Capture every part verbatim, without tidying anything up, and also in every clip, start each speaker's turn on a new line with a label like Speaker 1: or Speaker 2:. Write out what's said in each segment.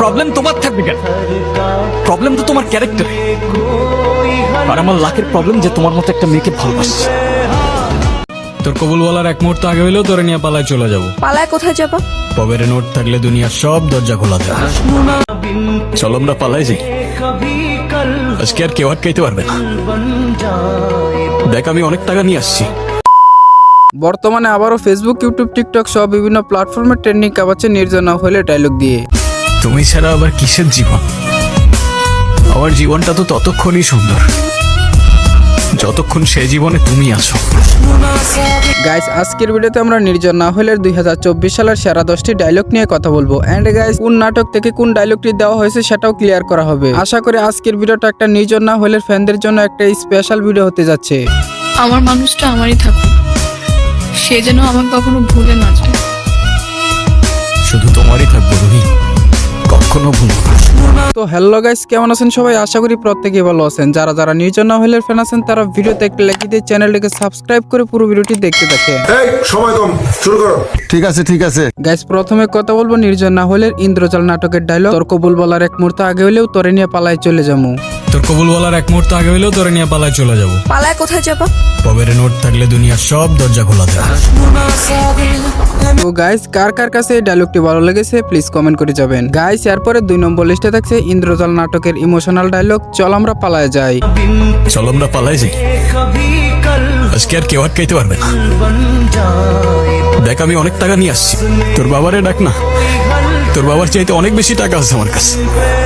Speaker 1: Problem তোমার থাকবে কেন? প্রবলেম তো তোমার ক্যারেক্টার। আর আমার লাখের প্রবলেম যে তোমার মতো একটা মেয়েকে ভালোবাসছে।
Speaker 2: তোর কবুল বলার এক মুহূর্ত আগে হইলেও তোরে নিয়ে পালায় চলে যাবো।
Speaker 3: পালায় কোথায় যাবা?
Speaker 2: পবের নোট থাকলে দুনিয়ার সব দরজা খোলা দেয়।
Speaker 1: চলো আমরা পালাই যাই, আজকে আর কেউ আটকাইতে পারবে না। দেখ আমি অনেক টাকা নিয়ে আসছি।
Speaker 4: বর্তমানে আবারও ফেসবুক, ইউটিউব, টিকটক সহ বিভিন্ন প্ল্যাটফর্মে ট্রেন্ডিং কাঁপাচ্ছে নির্জনা হলে ডায়লগ দিয়ে।
Speaker 1: তুমি ছাড়া আবার কিসের জীবন? আমার জীবনটা তো ততক্ষণই সুন্দর যতক্ষণ সে জীবনে তুমি আছো।
Speaker 4: গাইস, আজকের ভিডিওতে আমরা নির্জনা হলের দুই হাজার চব্বিশ সালের সেরা দশটি ডায়লগ নিয়ে কথা বলবো। এন্ড গাইস, কোন নাটক থেকে কোন ডায়লগটি দেওয়া হয়েছে সেটাও ক্লিয়ার করা হবে। আশা করি আজকের ভিডিওটা একটা নির্জনা হলের ফ্যানদের জন্য একটা স্পেশাল ভিডিও হতে যাচ্ছে।
Speaker 3: আমার মানুষটা আমারই থাকুক, সে যেন আমাকে কখনো ভুলে না যায়।
Speaker 1: শুধু তোমারই থাকবো রুহি, কখনো ভুলবো না।
Speaker 4: তো হ্যালো গাইস, কেমন আছেন সবাই? আশা করি প্রত্যেকেই ভালো আছেন। যারা যারা নির্জনা হলের ফ্যান আছেন তারা ভিডিওতে একটা লাইক দিয়ে চ্যানেলটিকে সাবস্ক্রাইব করে পুরো ভিডিওটি দেখতে থাকেন।
Speaker 5: এই সময় কম, শুরু করো। ঠিক আছে ঠিক আছে
Speaker 4: গাইস, প্রথমে কথা বলবো নির্জনা হলের ইন্দ্রজাল নাটকের ডায়লগ। তোর কবুল বলার এক মুহূর্ত আগে হইলেও তোরে নিয়ে পালায় চলে যাবো।
Speaker 2: তোর কবুল বলার এক মুহূর্ত আগে হইলেও তোরে নিয়ে পালায় চলে যাবো।
Speaker 3: পালায় কোথায় যাবা?
Speaker 2: পবের নোট থাকলে দুনিয়ার সব দরজা খোলা দেয়।
Speaker 4: তো গাইস, কার কার কাছে এই ডায়লগটি ভালো লেগেছে প্লিজ কমেন্ট করে যাবেন। গাইস, এরপরে দুই নম্বর লিস্টে থাকছে ইন্দ্রজাল নাটকের ইমোশনাল ডায়লগ, চল আমরা পালায় যাই।
Speaker 1: চলো আমরা পালাই যাই, আজকে আর কেউ আটকাইতে পারবে না। দেখ আমি অনেক টাকা নিয়ে আসছি। তোর বাবারে ডাক না, তোর বাবার চাইতে অনেক বেশি টাকা আছে আমার কাছে।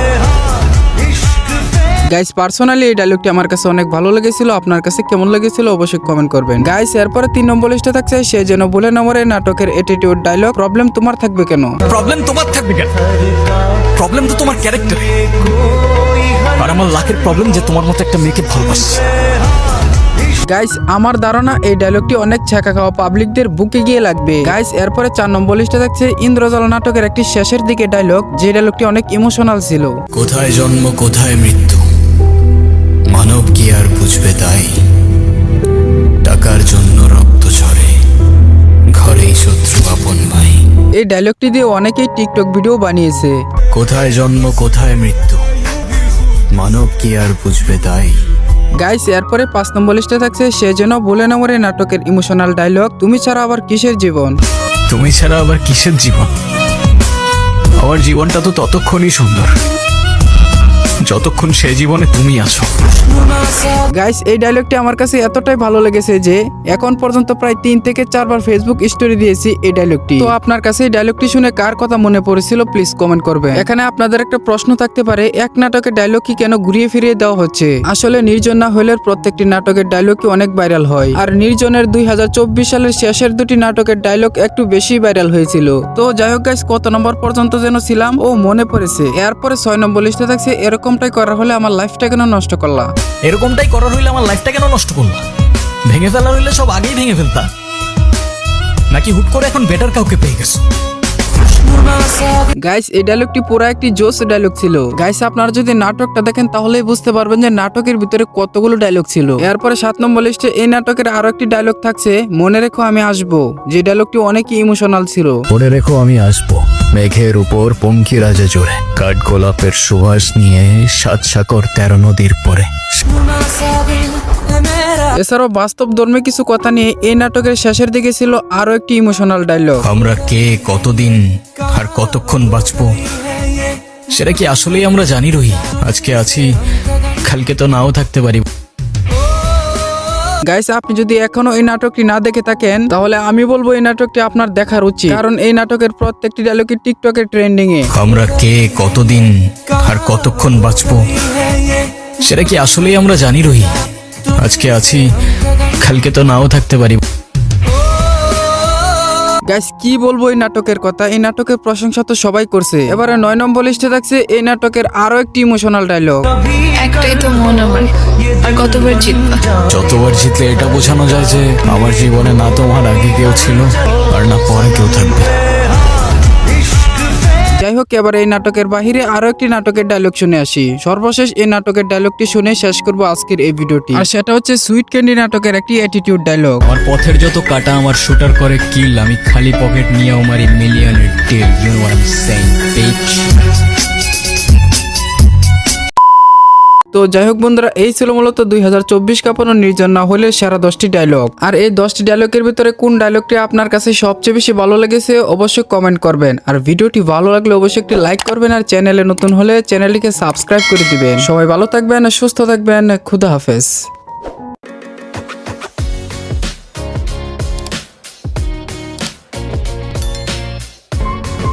Speaker 4: গাইস, পার্সোনালি এই ডায়লগটি আমার কাছে অনেক ভালো লেগেছিল। আপনার কাছে কেমন লেগেছিল অবশ্যই কমেন্ট করবেন। গাইস, এরপরে তিন নম্বর লিস্টে থাকছে সে যেন বলে নম্বরে নাটকের অ্যাটিটিউড ডায়লগ, প্রবলেম তোমার থাকবে কেন?
Speaker 1: প্রবলেম তোমার থাকবে কেন? প্রবলেম তো তোমার ক্যারেক্টার। আর আমার লাখের প্রবলেম যে তোমার মতো একটা মেয়েকে ভালোবাসছে।
Speaker 4: গাইস, আমার ধারণা এই ডায়লগটি অনেক ছ্যাঁকা খাওয়া পাবলিকদের বুকে গিয়ে লাগবে। গাইস, এরপরে চার নম্বর লিস্টে থাকছে ইন্দ্রজাল নাটকের একটি শেষের দিকে ডায়লগ, যে ডায়লগটি অনেক ইমোশনাল ছিল।
Speaker 2: কোথায় জন্ম কোথায় মৃত্যু, মানব কি আর বুঝবে তাই? টাকার জন্য রক্ত ঝরে, ঘরেই শত্রু আপন ভাই।
Speaker 4: এই ডায়লগটি দিয়ে অনেকেই টিকটক ভিডিও বানিয়েছে।
Speaker 2: কোথায় জন্ম কোথায় মৃত্যু, মানব কি আর বুঝবে তাই?
Speaker 4: গাইস, এরপরে পাঁচ নম্বর লিস্টে থাকছে সে যেন বলে নম্বরে নাটকের ইমোশনাল ডায়লগ, তুমি ছাড়া আবার কিসের জীবন?
Speaker 1: তুমি ছাড়া আবার কিসের জীবন? আমার জীবনটা তো ততক্ষণই সুন্দর যতক্ষণ সে জীবনে তুমি আছো।
Speaker 4: গাইস, এই ডায়লগটি আমার কাছে এতটাই ভালো লেগেছে যে এখন পর্যন্ত প্রায় তিন থেকে চারবার ফেসবুক স্টোরি দিয়েছি এই ডায়লগটি। তো আপনার কাছে এই ডায়লগটি শুনে কার কথা মনে পড়েছিল প্লিজ কমেন্ট করবেন। এখানে আপনাদের একটা প্রশ্ন থাকতে পারে, এক নাটকের ডায়লগ কি কেন ঘুরিয়ে ফিরিয়ে দেওয়া হচ্ছে? আসলে নির্জনা হলের প্রত্যেকটি নাটকের ডায়লগই অনেক ভাইরাল হয়, আর নির্জনের দুই হাজার চব্বিশ সালের শেষের দুটি নাটকের ডায়লগ একটু বেশি ভাইরাল হয়েছিল। তো যাই হোক গাইস, কত নম্বর পর্যন্ত যেন ছিলাম ও মনে পড়েছে। এরপরে ছয় নম্বর লিস্টে থাকছে এরকমটাই করা হলে আমার লাইফটা কেন নষ্ট করলা?
Speaker 1: এরকমটাই করার হইলে আমার লাইফটা কেন নষ্ট করলা? ভেঙে ফেলার হইলে সব আগেই ভেঙে ফেলতা, নাকি হুট করে এখন বেটার কাউকে পেয়ে গেছো?
Speaker 4: গাইস, এই ডায়লগটি পুরো একটি জোস ডায়লগ ছিল। গাইস, আপনারা যদি নাটকটা দেখেন তাহলেই বুঝতে পারবেন যে নাটকের ভিতরে কতগুলো ডায়লগ ছিল। এরপরে সাত নম্বর লিস্টে এই নাটকের আরো একটি ডায়লগ থাকছে, মনে রেখো আমি আসবো, যে ডায়লগটি অনেকই ইমোশনাল ছিল।
Speaker 2: মনে রেখো আমি আসবো, মেঘের উপর পঙ্কি রাজা জোরে, কাঠ গোলাপের সুবাস নিয়ে সাত সাগর তেরো নদীর পরে।
Speaker 4: এছাড়াও বাস্তব ধর্মে কিছু কথা নিয়ে এই নাটকের শেষের দিকে ছিল আরো একটি ইমোশনাল ডায়লগ,
Speaker 1: আমরা কে, কতদিন আর কতক্ষণ বাঁচবো সেটা কি আসলেই আমরা জানি রহি? আজকে আছি, কালকে তো নাও থাকতে পারি।
Speaker 4: গাইস, আপনি যদি এখনো এই নাটকটি না দেখে থাকেন তাহলে আমি বলবো এই নাটকটি আপনার দেখার উচিত, কারণ এই নাটকের প্রত্যেকটি ডায়লগই টিকটকের ট্রেন্ডিং এ।
Speaker 1: আমরা কে, কতদিন আর কতক্ষণ বাঁচবো সেটা কি আসলেই আমরা জানি রহি? আজকে আছি, কালকে তো নাও থাকতে পারি।
Speaker 4: গাইস, কি বলবো এই নাটকের কথা, এই নাটকের প্রশংসা তো সবাই করছে। এবারে নয় নম্বর লিস্টে থাকছে এই নাটকের আরো একটি ইমোশনাল ডায়লগ,
Speaker 3: একটাই তো মন আমার, আর কতবার জিতবা?
Speaker 1: যতবার জিতলে এটা বোঝানো যায় যে আমার জীবনে না তোমার আগে কেউ ছিল আর না পরে কেউ থাকবে।
Speaker 4: যাই হোক, এবার এই নাটকের বাহিরে আরো একটি নাটকের ডায়লগ শুনে আসি। সর্বশেষ এই নাটকের ডায়লগটি শুনে শেষ করবো আজকের এই ভিডিওটি, আর সেটা হচ্ছে সুইট ক্যান্ডি নাটকের একটি অ্যাটিটিউড ডায়লগ,
Speaker 2: আমার পথের যত কাটা আমার শুটার করে কিল, আমি খালি পকেট নিয়ে আমার মিলিয়নের deal. You know what I am saying, bitch.
Speaker 4: তো যাই হোক বন্ধুরা, এই ছিল মূলত দুই হাজার চব্বিশ কাঁপানো নির্জন না হলে সেরা দশটি ডায়লগ। আর এই দশটি ডায়লগের ভিতরে কোন ডায়লগটি আপনার কাছে সবচেয়ে বেশি ভালো লেগেছে অবশ্যই কমেন্ট করবেন। আর ভিডিওটি ভালো লাগলে অবশ্যই একটি লাইক করবেন, আর চ্যানেলে নতুন হলে চ্যানেলটিকে সাবস্ক্রাইব করে দিবেন। সবাই ভালো থাকবেন, সুস্থ থাকবেন, খুদা হাফেজ।